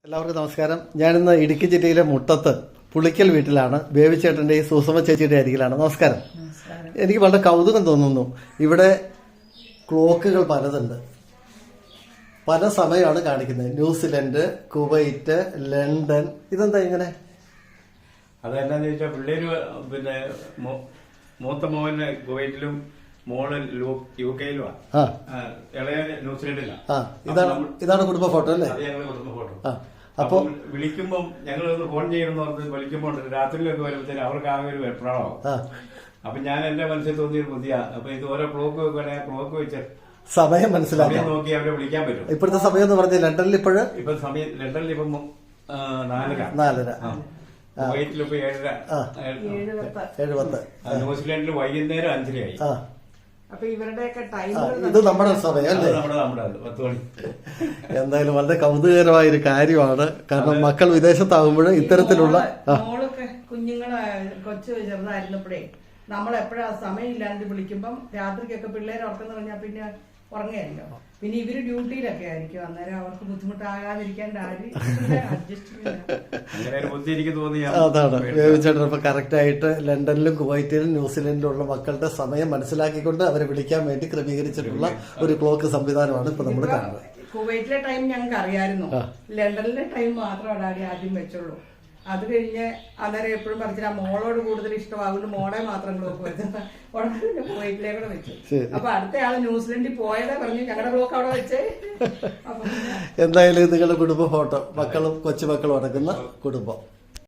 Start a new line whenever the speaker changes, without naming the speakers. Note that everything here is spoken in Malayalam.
എല്ലാവർക്കും നമസ്കാരം. ഞാനിന്ന് ഇടുക്കി ജില്ലയിലെ മുട്ടത്ത് പുളിക്കൽ വീട്ടിലാണ്. ബേബിച്ചേട്ടൻ്റെയും സുസമ ചേച്ചിയുടെ അരികിലാണ്. നമസ്കാരം. എനിക്ക് വളരെ കൗതുകം തോന്നുന്നു. ഇവിടെ ക്ലോക്കുകൾ പലതുണ്ട്, പല സമയമാണ് കാണിക്കുന്നത്. New Zealand, Kuwait, London. ഇതെന്താ ഇങ്ങനെ?
അതെന്നാന്ന് ചോദിച്ചാൽ പിള്ളേര് പിന്നെ മൂത്ത മോന് കുവൈറ്റിലും മോള് UK-ലുമാണ്, ഇളയ ന്യൂസിലൻഡിലാണ്.
ഇതാണ് കുടുംബ ഫോട്ടോ അല്ലേ?
അത് ഞങ്ങള് കുടുംബ ഫോട്ടോ. അപ്പൊ വിളിക്കുമ്പം ഞങ്ങൾ ഒന്ന് ഫോൺ ചെയ്യണമെന്ന് പറഞ്ഞ് വിളിക്കുമ്പോൾ രാത്രിയിലൊക്കെ വരുമ്പോഴത്തേനും അവർക്ക് ആകെ ഒരു വെപ്രാളമാവും. അപ്പൊ ഞാൻ എന്റെ മനസ്സിൽ തോന്നിയൊരു ബുദ്ധിയാ. അപ്പൊ ഇത് ഓരോ ക്ലോക്ക് വെക്കുകയാണെങ്കിൽ ക്ലോക്ക് വെച്ച്
സമയം മനസ്സിലാക്കി
നോക്കി അവരെ വിളിക്കാൻ പറ്റും.
ഇപ്പോഴത്തെ സമയം എന്ന് പറഞ്ഞാൽ ലണ്ടനിൽ
ഇപ്പൊ സമയം ലണ്ടനിൽ ഇപ്പം
4:30,
കുവൈറ്റിലിപ്പോ
7:10,
ന്യൂസിലൻഡിൽ വൈകുന്നേരം 5:30 ആയി.
അപ്പൊ ഇവരുടെയൊക്കെ ടൈം
ഇത് നമ്മുടെ സമയം അല്ലേ?
നമ്മുടെ 10 മണി.
എന്തായാലും വളരെ കൗതുകകരമായ ഒരു കാര്യമാണ്. കാരണം മക്കൾ വിദേശത്താകുമ്പോൾ ഇത്തരത്തിലുള്ള
മോളൊക്കെ കുഞ്ഞുങ്ങളെ കൊച്ചു ചെറുതായിരുന്നപ്പോഴേ നമ്മളെപ്പോഴാ സമയമില്ലാണ്ട് വിളിക്കുമ്പം രാത്രിക്കൊക്കെ പിള്ളേർ ഉറക്കം പറഞ്ഞാൽ പിന്നെ ഉറങ്ങായിരിക്കും. പിന്നെ ഇവര് ഡ്യൂട്ടിയിലൊക്കെ ആയിരിക്കും. അന്നേരം അവർക്ക് ബുദ്ധിമുട്ടാകാതിരിക്കാൻ
അതാണ് ബേബിച്ചേട്ടൻ ഇപ്പൊ കറക്റ്റ് ആയിട്ട് ലണ്ടനിലും കുവൈറ്റിലും ന്യൂസിലൻഡിലും ഉള്ള മക്കളുടെ സമയം മനസ്സിലാക്കിക്കൊണ്ട് അവരെ വിളിക്കാൻ വേണ്ടി ക്രമീകരിച്ചിട്ടുള്ള ഒരു ക്ലോക്ക് സംവിധാനമാണ് ഇപ്പൊ നമ്മൾ കാണുന്നത്.
കുവൈറ്റിലെ ടൈം ഞങ്ങൾക്ക് അറിയായിരുന്നു, ലണ്ടനിലെ ടൈം മാത്രമാണ് ആദ്യം വെച്ചുള്ളൂ. അത് കഴിഞ്ഞ് അന്നേരം എപ്പോഴും പറഞ്ഞിട്ട് ആ മോളോട് കൂടുതൽ ഇഷ്ടമാകുന്നു, മോളെ മാത്രം ക്ലോക്ക് വെച്ചത് ഉടനെ കുവൈറ്റിലേക്കൂടെ വെച്ചു. അപ്പൊ അടുത്ത ആള് ന്യൂസിലൻഡിൽ പോയതാ പറഞ്ഞു ഞങ്ങളുടെ ക്ലോക്ക് അവിടെ വെച്ചേ.
എന്തായാലും നിങ്ങളുടെ കുടുംബ ഫോട്ടോ, മക്കളും കൊച്ചുമക്കളും അടങ്ങുന്ന കുടുംബം.